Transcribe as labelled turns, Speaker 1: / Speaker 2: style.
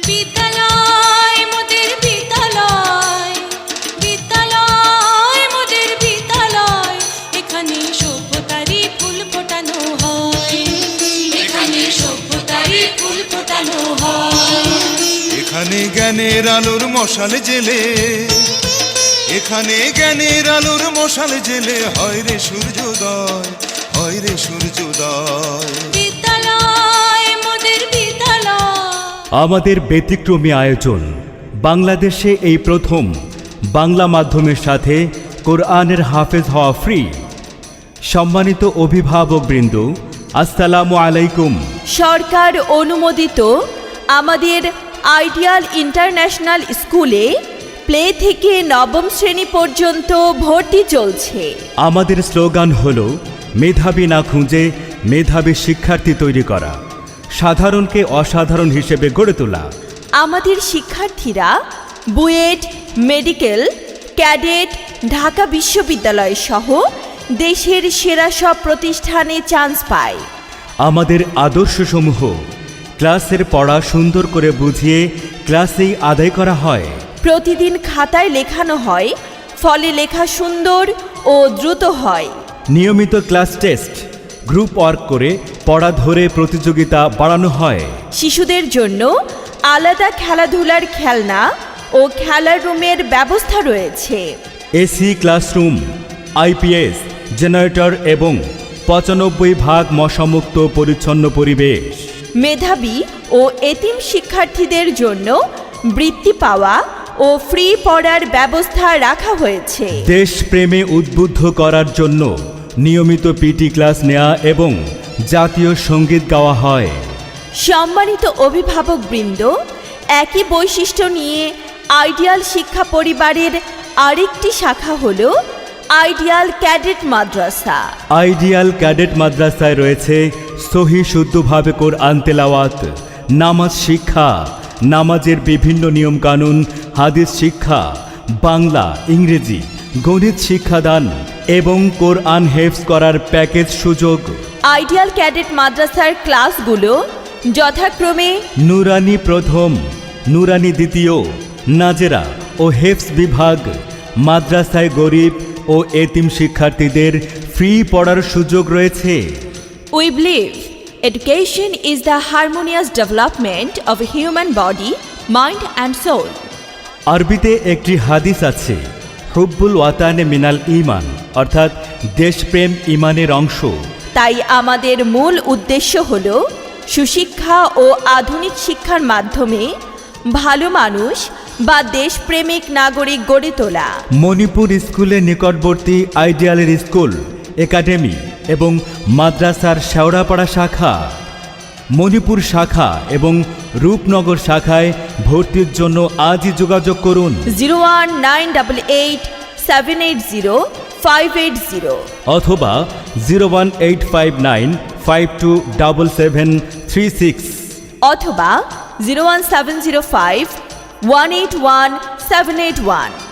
Speaker 1: বিদ্যালয় মোদের বিদ্যালয়, বিদ্যালয় মোদের বিদ্যালয়, এখানে সভ্যতারই ফুল ফোটানো হয়, এখানে সভ্যতারই ফুল ফোটানো হয়।
Speaker 2: এখানে জ্ঞানের আলোর মশাল জেলে, এখানে জ্ঞানের আলোর মশাল জেলে হয় রে সূর্যোদয়, হয় রে সূর্যোদয়।
Speaker 1: বিদ্যালয় মোদের বিদ্যালয়।
Speaker 3: আমাদের ব্যতিক্রমী আয়োজন, বাংলাদেশে এই প্রথম বাংলা মাধ্যমের সাথে কোরআনের হাফেজ হওয়া ফ্রি। সম্মানিত অভিভাবকবৃন্দ, আসসালামু আলাইকুম।
Speaker 4: সরকার অনুমোদিত আমাদের আইডিয়াল ইন্টারন্যাশনাল স্কুলে প্লে থেকে নবম শ্রেণী পর্যন্ত ভর্তি চলছে।
Speaker 3: আমাদের স্লোগান হলো মেধাবী না খুঁজে মেধাবী শিক্ষার্থী তৈরি করা, সাধারণকে অসাধারণ হিসেবে গড়ে তোলা।
Speaker 4: আমাদের শিক্ষার্থীরা বুয়েট, মেডিকেল, ক্যাডেট, ঢাকা বিশ্ববিদ্যালয় সহ দেশের সেরা সব প্রতিষ্ঠানে চান্স পায়।
Speaker 3: আমাদের আদর্শসমূহ ক্লাসের পড়া সুন্দর করে বুঝিয়ে ক্লাসেই আদায় করা হয়।
Speaker 4: প্রতিদিন খাতায় লেখানো হয়, ফলে লেখা সুন্দর ও দ্রুত হয়।
Speaker 3: নিয়মিত ক্লাস টেস্ট, গ্রুপ ওয়ার্ক করে পড়া ধরে প্রতিযোগিতা বাড়ানো হয়।
Speaker 4: শিশুদের জন্য আলাদা খেলাধুলার খেলনা ও খেলার রুমের ব্যবস্থা রয়েছে।
Speaker 3: এসি ক্লাসরুম, আইপিএস, জেনারেটর এবং ৯৫% মশামুক্ত পরিচ্ছন্ন পরিবেশ।
Speaker 4: মেধাবী ও এতিম শিক্ষার্থীদের জন্য বৃত্তি পাওয়া ও ফ্রি পড়ার ব্যবস্থা রাখা হয়েছে।
Speaker 3: দেশপ্রেমে উদ্বুদ্ধ করার জন্য নিয়মিত পিটি ক্লাস নেওয়া এবং জাতীয় সঙ্গীত গাওয়া হয়।
Speaker 4: সম্মানিত অভিভাবকবৃন্দ, একই বৈশিষ্ট্য নিয়ে আইডিয়াল শিক্ষা পরিবারের আরেকটি শাখা হল ideal cadet Madrasa.
Speaker 3: Ideal cadet মাদ্রাসায় রয়েছে সহি শুদ্ধভাবে কোরআন তেলাওয়াত, নামাজ শিক্ষা, নামাজের বিভিন্ন নিয়মকানুন, হাদিস শিক্ষা, বাংলা, ইংরেজি, গণিত শিক্ষাদান এবং কোরআন হেফজ করার প্যাকেজ সুযোগ।
Speaker 4: আইডিয়াল ক্যাডেট মাদ্রাসার ক্লাসগুলো যথাক্রমে
Speaker 3: নুরানি প্রথম, নুরানি দ্বিতীয়, নাজেরা ও হেফজ বিভাগ। মাদ্রাসায় গরিব ও এতিম শিক্ষার্থীদের ফ্রি পড়ার সুযোগ রয়েছে।
Speaker 4: We believe education is the harmonious development of a human body, mind and soul.
Speaker 3: আরবিতে একটি হাদিস আছে, হুব্বুল ওয়াতানে মিনাল ঈমান, অর্থাৎ দেশপ্রেম ঈমানের অংশ।
Speaker 4: তাই আমাদের মূল উদ্দেশ্য হল সুশিক্ষা ও আধুনিক শিক্ষার মাধ্যমে ভালো মানুষ বা দেশপ্রেমিক নাগরিক গড়ে তোলা।
Speaker 3: মণিপুর স্কুলের নিকটবর্তী আইডিয়ালের স্কুল, একাডেমি এবং মাদ্রাসার শেওড়াপাড়া শাখা, মণিপুর শাখা এবং রূপনগর শাখায় ভর্তির জন্য আজই যোগাযোগ করুন
Speaker 4: 01988780580
Speaker 3: অথবা 01859527736
Speaker 4: অথবা 01705181781।